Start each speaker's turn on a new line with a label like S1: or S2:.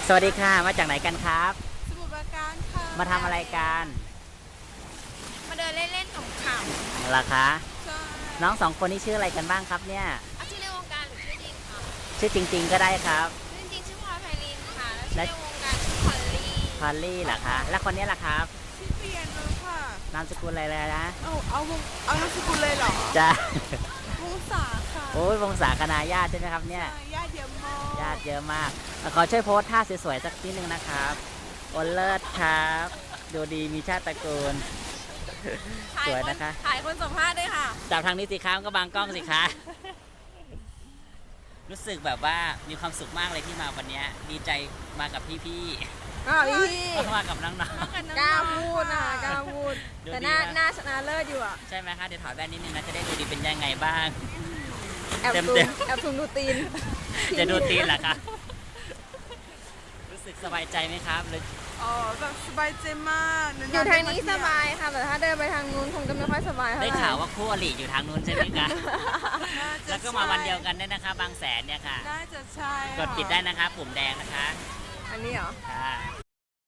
S1: สวัสดีค่ะ มาจากไหนกันครับ
S2: สมุทรปราการค่ะ
S1: มาทำอะไรกัน
S2: มาเดินเล่นๆขำ
S1: ล่ะคะ
S2: ๆใช่
S1: น้องสองคนนี้ชื่ออะไรกันบ้างครับเนี่ย
S2: อาชื่อในวงการหรือชื่อจริงค่ะ
S1: ชื่อจริง ๆ ก็ได้ครับ
S2: ชื่อจริงชื่อพลอยไพลินค่ะ แล้วชื่อในวงการชื่อพอลลี่
S1: พอลลี่เหรอคะ แล้วคนนี้ล่ะครับ
S2: ชื่อเปียโนค่ะ
S1: นามสกุลอะไรเลยนะ
S2: เอานามสกุลเลยเหรอ
S1: จ้าว
S2: งศาค่ะ
S1: โอ้ยวงศาคณาญาติใช่ไหมครับเนี่ย
S2: ญาติเยอะมาก
S1: ญาติเยอะมาก ขอช่วยโพสท่าสวยๆสักทีหนึ่งนะครับโอเลิศครับ ดูดีมีชาติตระกูล สวยนะคะ
S2: ถ่ายคนสัมภาษณ์ด้วยค่ะ
S1: จับทางนี้สิครับก็บางกล้องสิคะรู้สึกแบบว่ามีความสุขมากเลยที่มาวันนี้ดีใจมากับพี่
S3: พี่
S1: ๆมากับน้อง
S3: กล้าพูดนะคะกล้าพูด
S1: ดู
S3: แต่
S1: ดี
S3: หน้า
S1: นะ
S3: ชนะเลิศอยู่อ่ะ
S1: ๆใช่ไหมคะเดี๋ยวถอดแว่นนิดนึงนะจะได้ดูดีเป็นยังไงบ้าง
S3: แอบ
S1: เต็ม
S3: ซู
S1: เต็
S3: ม
S1: ม
S3: แอบซูมดูตีน
S1: จะดูตีนเหรอคะรู้สึกสบายใจไหมครับหรือ
S2: อ๋อแบบสบายใจมาก
S3: อยู่ทางนี้สบายค่ะ แต่ถ้าเดินไปทางนู้นคงจะไม่ค่อยสบายเท่าไห
S1: ได้
S3: ร่
S1: ข่าวว่าคู่อริอยู่ทางนู้นใช่ไหมคะแล้วก็มาวันเดียวกันด้วยนะคะ บางแสนเนี่ยค่ะ
S2: น่าจะใช่
S1: กดปิดได้นะคะ ปุ่มแดงนะคะ
S3: อันนี้เหรอ
S1: ค่ะ